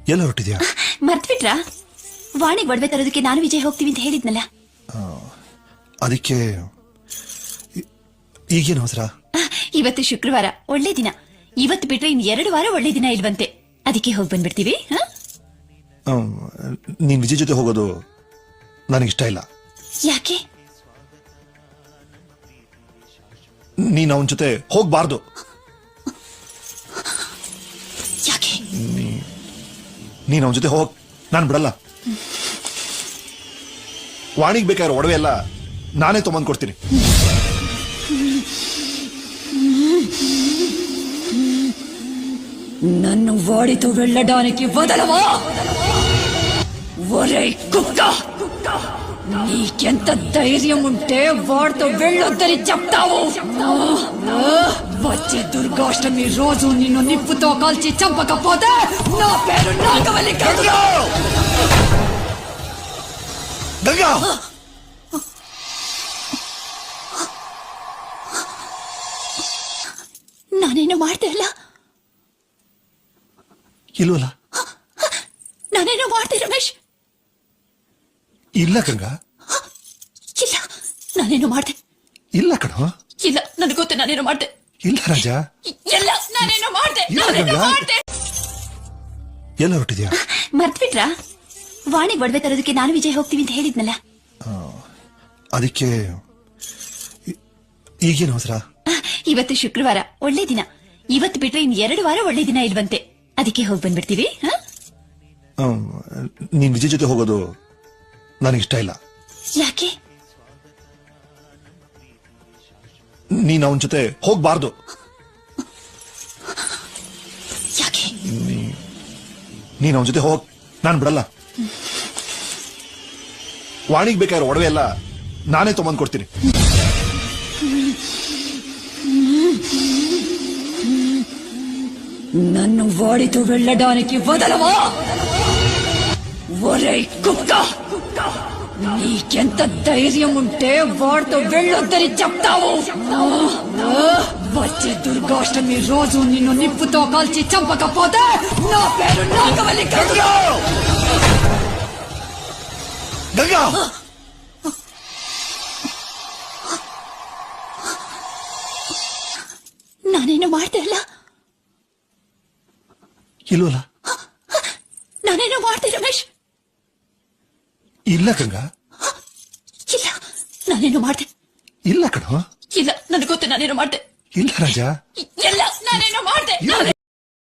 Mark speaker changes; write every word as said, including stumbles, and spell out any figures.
Speaker 1: ಎಲ್ಲ ಹೊರಟಿದ್ಯಾ?
Speaker 2: ಮರ್ತ್ಬಿಟ್ರಾ? ವಾಣಿಗ್ ಒಡವೆ ತರೋದಕ್ಕೆ ನಾನು ವಿಜಯ್ ಹೋಗ್ತೀವಿ ಅಂತ ಹೇಳಿದ್ನಲ್ಲ.
Speaker 1: ಅದಕ್ಕೆ ಈಗೇನು ಅವಸರ?
Speaker 2: ಇವತ್ತು ಶುಕ್ರವಾರ, ಒಳ್ಳೆ ದಿನ. ಇವತ್ತು ಬಿಟ್ರೆ ಇನ್ ಎರಡು ವಾರ ಒಳ್ಳೆ ದಿನ ಇಲ್ವಂತೆ. ಅದಕ್ಕೆ ಹೋಗಿ ಬಂದ್ಬಿಡ್ತೀವಿ.
Speaker 1: ನೀನ್ ವಿಜಯ್ ಜೊತೆ ಹೋಗೋದು ನನಗಿಷ್ಟ ಇಲ್ಲ.
Speaker 2: ಯಾಕೆ?
Speaker 1: ನೀನ್ ಅವನ ಜೊತೆ ಹೋಗ್ಬಾರ್ದು.
Speaker 2: ಯಾಕೆ?
Speaker 1: ನೀನ್ ಅವನ ಜೊತೆ ಹೋಗ್, ನಾನ್ ಬಿಡಲ್ಲ. ವಾಣಿಗ್ ಬೇಕಾದ್ರೆ ಒಡವೆ ಎಲ್ಲ ನಾನೇ ತೊಗೊಂಡ್ ಕೊಡ್ತೀನಿ.
Speaker 2: నన్ను వాడితో వెళ్ళడానికి వదలవా? ఒరే కుక్క, నీకెంత ధైర్యం ఉంటే వాడితో వెళ్ళొద్దని చెప్తావు? వచ్చే దుర్గాష్టమి రోజు నిన్ను నిప్పుతో కాల్చి చంపకపోతే నా పేరు నాగవల్లి కాదు.
Speaker 1: గంగా,
Speaker 2: ನಾನೇನು ಮಾಡ್ದೆ ಅಲ್ಲ?
Speaker 1: ಇಲ್ವಲ್ಲ?
Speaker 2: ನಾನೇನು ಮಾಡ್ದೆ ರಮೇಶ್?
Speaker 1: ಇಲ್ಲ ಗಂಗಾ,
Speaker 2: ಇಲ್ಲ, ನಾನೇನು ಮಾಡ್ದೆ
Speaker 1: ಇಲ್ಲ ಕಣೋ.
Speaker 2: ಇಲ್ಲ, ನನಗೆ ಗೊತ್ತು ನಾನೇನು ಮಾಡ್ದೆ.
Speaker 1: ಇಲ್ಲ ರಾಜ,
Speaker 2: ಎಲ್ಲ ನಾನೇನು ಮಾಡ್ದೆ.
Speaker 1: ಇಲ್ಲ ಗಂಗಾ. ಎಲ್ಲ ಹೊರಟಿದ್ಯಾ?
Speaker 2: ಮರ್ತ್ಬಿಟ್ರಾ? ವಾಣಿಗ್ ಒಡವೆ ತರೋದಕ್ಕೆ ನಾನು ವಿಜಯ್ ಹೋಗ್ತೀವಿ ಅಂತ ಹೇಳಿದ್ನಲ್ಲ.
Speaker 1: ಅದಕ್ಕೆ ಈಗೇನು ಅವಸರ?
Speaker 2: ಇವತ್ತು ಶುಕ್ರವಾರ, ಒಳ್ಳೆ ದಿನ. ಇವತ್ತು ಬಿಟ್ರೆ ಇನ್ ಎರಡು ವಾರ ಒಳ್ಳೆ ದಿನ ಇಲ್ವಂತೆ. ಅದಕ್ಕೆ ಹೋಗಿ ಬಂದ್ಬಿಡ್ತೀವಿ.
Speaker 1: ನೀನ್ ವಿಜಯ್ ಜೊತೆ ಹೋಗೋದು ನನಗಿಷ್ಟ ಇಲ್ಲ.
Speaker 2: ಯಾಕೆ?
Speaker 1: ನೀನ್ ಅವನ ಜೊತೆ ಹೋಗ್ಬಾರ್ದು.
Speaker 2: ಯಾಕೆ?
Speaker 1: ನೀನ್ ಅವನ ಜೊತೆ ಹೋಗ್, ನಾನ್ ಬಿಡಲ್ಲ. ವಾಣಿಗ್ ಬೇಕಾದ್ರೆ ಒಡವೆ ಎಲ್ಲ ನಾನೇ ತೊಗೊಂಡ್ ಕೊಡ್ತೀನಿ.
Speaker 2: నన్ను వాడితో వెళ్ళడానికి వదలవా? ఒరే కుక్క, నీకెంత ధైర్యం ఉంటే వాడితో వెళ్ళొద్దని చెప్తావు? వచ్చే దుర్గాష్టమి రోజు నిన్ను నిప్పుతో కాల్చి చంపకపోతే నా పేరు నాగవల్లి కాదు.
Speaker 1: గంగా,
Speaker 2: ನಾನೇನು ಮಾಡ್ದೆ ಅಲ್ಲ?
Speaker 1: ಇಲ್ವಲ್ಲ?
Speaker 2: ನಾನೇನು ಮಾಡ್ದೆ ರಮೇಶ್?
Speaker 1: ಇಲ್ಲ ಗಂಗಾ,
Speaker 2: ಇಲ್ಲ, ನಾನೇನು ಮಾಡ್ದೆ.
Speaker 1: ಇಲ್ಲ ಕಣೋ.
Speaker 2: ಇಲ್ಲ, ನನಗೆ ಗೊತ್ತು ನಾನೇನು ಮಾಡ್ದೆ.
Speaker 1: ಇಲ್ಲ ರಾಜ,
Speaker 2: ಎಲ್ಲ ನಾನೇನು ಮಾಡ್ದೆ.